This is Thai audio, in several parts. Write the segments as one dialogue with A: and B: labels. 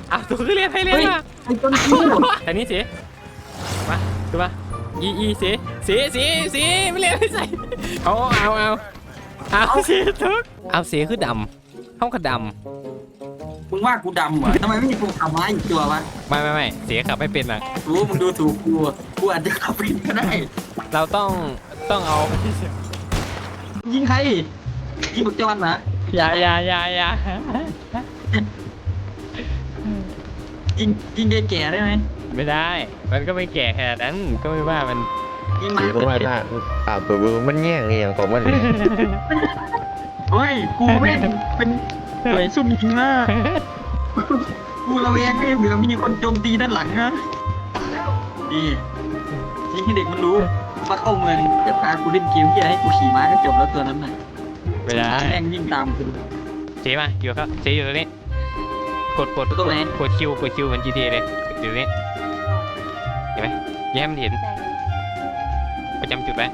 A: เอาตัวขึ้นเรียนให้เรียนมา
B: ไอ้ต้นกู
A: แต่นี้สิมาดูมาอีสีไม่เรียนไม่ใส่เอาสีทุกเอาสีคือดำห้องกระด
B: มึงว่ากูดำเหรอทำไมไม่มีกูขับม้าอีกตัววะ
A: ำไม่เสียขับไม่เป็นอ่ะ
B: รู้มึงดูถูกกูอาจจะขับเป็นก็ได้
A: เราต้องเอา
B: ยิงใครยิงบักจอนนะ
A: อย่า
B: ยิงแก่ๆได้ไหม
A: ไม่ได้ มันก็ไม่แก่ขนาดนั้นก็ไม่ว่ามัน
B: ยิง
C: เดี๋ยวผมว่าถ้าตัวมันแย่งเองของมัน
B: เฮ้ยกูไม่เป็นสวยซุ่มยิงนะกูระแวงไอ้เผื่อมีคนโจมตีด้านหลังนะดียิงให้เด็กมันรู้ว่าเข้าเมืองจะพากูเล่นเกมที่ให้กูขี่ม้าก็จบแล้วตัวนั้นน่ะ
A: ไม่ได้
B: แม่งวิ่งตามกู
A: เสียมาอยู่ครับเสียอยู่ตรงนี้กด
B: ตรงไหน
A: กดคิวเหมือน GTA เลยอยู่ตรงนี้เห็นไหมแย้มนเห็นประจำจุดไว้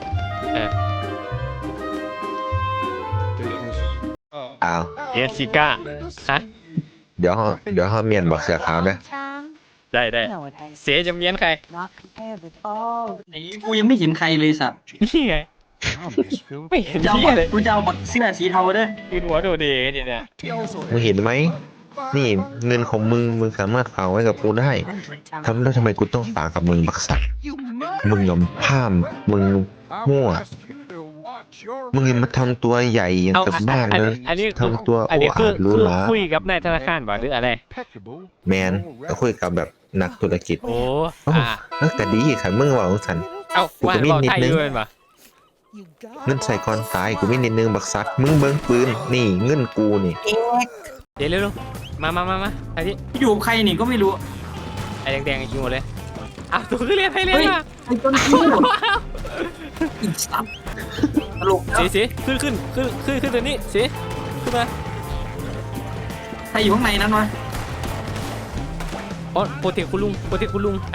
C: อ้าว
A: เอสิก้าฮะ
C: เดี๋ยวเขาเมียนบอกเสือขาวนะ
A: ได้เสียจะเมียนใคร
B: ไอ้กูยังไม่เห็นใครเลยสัตว์
A: นี่ไงไม่เห็น
B: จะเอา
A: ที่เลย
B: กูจะเอาบักเสื้อสีเทาเด้อ
A: ยืนหัวโดดเดเนี่ย
C: มึงเห็นไหมนี่เงินของมึงสามารถฝากไว้กับกูได้แล้วทำไมกูต้องฝากกับมึงบักสัตว์มึงยอมพามมึงมั่วมึงยังมาทำตัวใหญ่อย่างกับบ้านเลย
A: อันนี้
C: ทำตัว
A: อัน
C: โอ้
A: นี้
C: อาจรู้หลา
A: คุยกับนายธนาคารบ่หรืออะไร
C: แมนก็คุยกับแบบนักธุรกิจ
A: โอ้
C: โอ้แต่ดีค่ะมึงว่าของฉัน
A: เอาว่าเราไทยด้วยป่ะ
C: เงินใส่ก่อนตายกูไม่นิดนึงบักสัตว์มึงเบิ้งปืนนี่เงินกูนี่
A: เดี๋ยวเร็วมาไอ้ที่
B: อยู่กับใครนี่ก็ไม่รู้
A: ไอ้แดงๆยิงหมดเลยเอาตัวขึ้นเรียนให้เรียนมา
B: ไอ้ต้นกูอีสัตว์ตลก
A: สีขึ้นตัวนี้สีขึ้นมา
B: ใครอยู่ข้างในนั้นวะ
A: อ๋อโปรเทคคุณลุงไป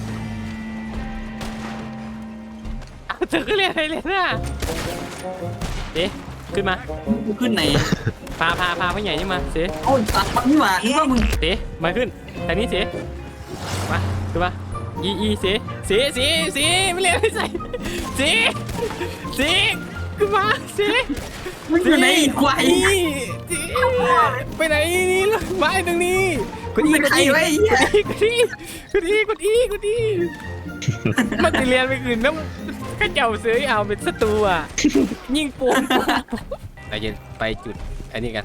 A: เอาตัวขึ้นเรียนให้เรียนนะสีขึ้นมา
B: กูขึ้นไหน
A: พาพ่อใหญ่นี่มาสี
B: โอ้ยสัตว์มันนี่หว่านึกว่ามึง
A: สีมาขึ้นแต่นี้สีมาขึ้นมาอีสีไม่เรียนไม่ใส่สีขึ้นมาสี
B: มึงอยู่ไหนอีกควาย
A: สีไปไหนนี่ล่ะมาตรงนี้กดอี
B: เป็นใครไว้ไอ้เหี้ย
A: กดอีมันจะเรียนไปอื่นน้ำข้าเจ้าซื้อเอาเป็นศัตรูอ่ะยิงปูนไปเย็นไปจุดอันนี้กัน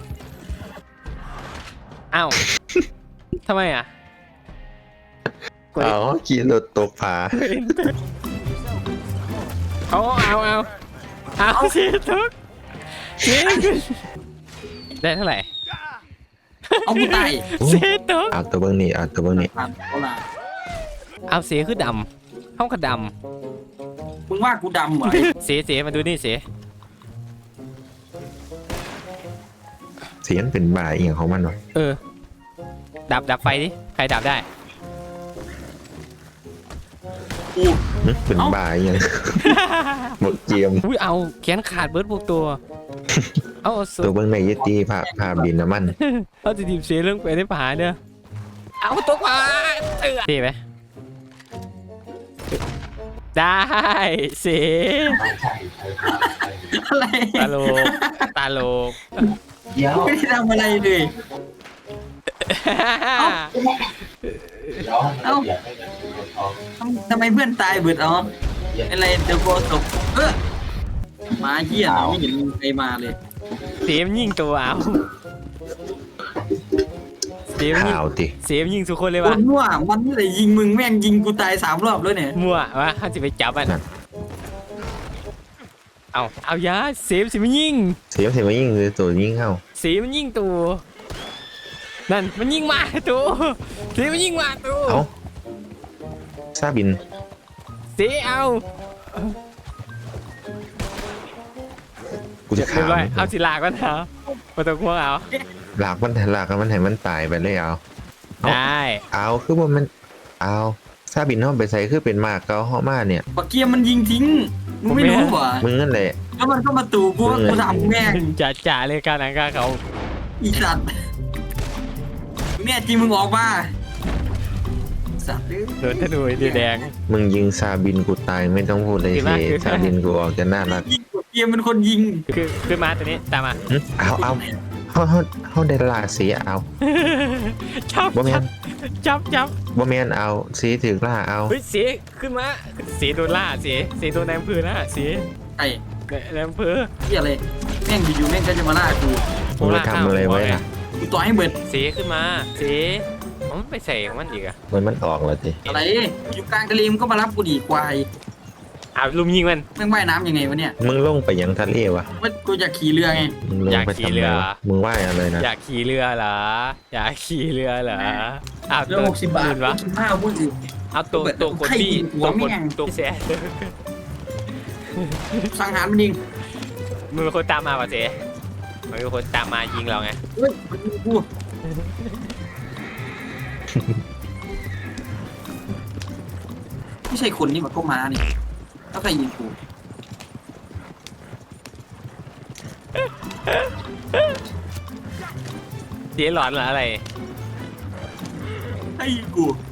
A: อ้าวทำไมอ่ะ
C: เอาขี่รถตกผา
A: เอาเสียทุกได้เท่าไหร่
B: เอากูตาย
A: เสียทุก
C: เอาตัวเบิ้งนี่
B: เอาล่ะ
A: เอาเสียคือดำห้องกระด
B: มึงว่ากูดำเหรอ
A: ำเสียมาดูนี่เสีย
C: เสียงเป็นบ่ายอย่างของมันวะ
A: ดับไฟดิใครดับได้
B: กู
C: เป็นบ่ายอย่างหมดเจียม
A: อุ้ยเอาแขนขาดเบิร์ดพวกตัวเอาสุ
C: ตัว
A: ด
C: เบิ้งในยตีภาพดินน้ำมัน
A: เอาจะดีบเสียเรื่องไปได้ผ่าเนี่ยเอาตัวขวาดีไหมได้เสีย
B: อะไร
A: ตลก
B: ไม่ได้ทำอะไรเลยเอ้าทำไมเพื่อนตายเบิดอ๋ออะไรเดี๋ยวโกตกมาเหี้ยไม่เห็นมีใครมาเลย
A: เสียมยิงตัวเอาเสียมยิง
C: ข่าวติ
A: เสียมยิงทุกคนเลย
B: ค
A: วะ
B: นมั่วมันนี่เลยยิงมึงแม่งยิงกูตาย3 รอบแล้วเนี่ย
A: มั่ววะเขาจะไปจับอ่ะเอายาเสียมสิมันยิง
C: เสียมายิ่งคือตัวยิ่งเข้า
A: สีมันยิงตัวนั่นมันยิงมาตัวสีมันยิงมาตัว
C: เอาซาบิน
A: สีเอา
C: กูจะ
A: เรีย
C: ขา
A: บร้อยเอาสิลาก่อนเอาประตูพวกเอา
C: หลากมันให้มันตายไปเลยเอา
A: ได้
C: เอาคือว่ามันเอาซาบินห้องไปใส่คือเป็นมากเกาห้องมาเนี่ย
B: ปะเกียมันยิงทิ้งมึงไม่รู้เหรอ
C: มึงนั่นแหละ
B: แล้วมันก็มาตู่กูว่ากูทำแม่ง
A: จ่าเลยการหนังกาเขา
B: อีสัตว์แม่เนี่ยจริงมึงออกมาสัตว์
A: โดนธนูดีแดง
C: มึงยิงซาบินกูตายไม่ต้องพูดเลย
A: ดีมาก
C: เท
A: ดีมาก
C: ซาบินกูออกจะน่ารัก
B: ยิงเกมเป็นคนยิง
A: คือขึ้นมาตัวนี้ตามมา
C: หึเอาได้ลาสีเอา
A: จับ
C: บ่แม่น
A: จับ
C: บ่แม่นเอาสีถึงล่าเอา
A: เฮ้ยสีขึ้นมาสีโดนล่าสีโดนนายอำเภอล่าสี
B: ไอ้
A: นายอำเภอ
B: ที่อะไรแม่งอยู่ๆแม่งก็จะมาล่ากู
C: มึงไปทำอะไรไว้ล่ะ
B: กูต่อให้เบิด
A: สีขึ้นมาสีมันไปใส่ของมันอีกอะ
C: มันออกแล้วสิ
B: อะไรอยู่กลางทะเลมึงก็มารับกูดีควาย
A: ลุมยิงมัน
B: แม่งว่ายน้ำยังไงวะเนี่ย
C: มึงลงไปยังทะเลวะ
B: ว่ากูจะขี่เรือไง
C: มึงลงไปทำอะไรวะมึงว่ายอะไรนะ
A: อยากขี่เรือเหรออยากขี่เรือเหรออ้าว
B: เรือ60 บาท
A: อื่นวะ
B: กินข้าวพวกอื่น
A: เอาตัวกด
B: ใคร
A: พี่
B: ยิงหัว
A: ตัวกด
B: แม่ง
A: ตัวแซ่
B: สังหารมันยิง
A: มึงเป็นคนตามมาป่ะเจ๊มึงเป็นคนตามมายิงเราไง
B: เฮ้ยมันยิงกูไม่ใช่คนนี่มันก็มานี่แล้วใครยิงกู
A: เจ๊หลอนเหรออะไร
B: ใครยิงกู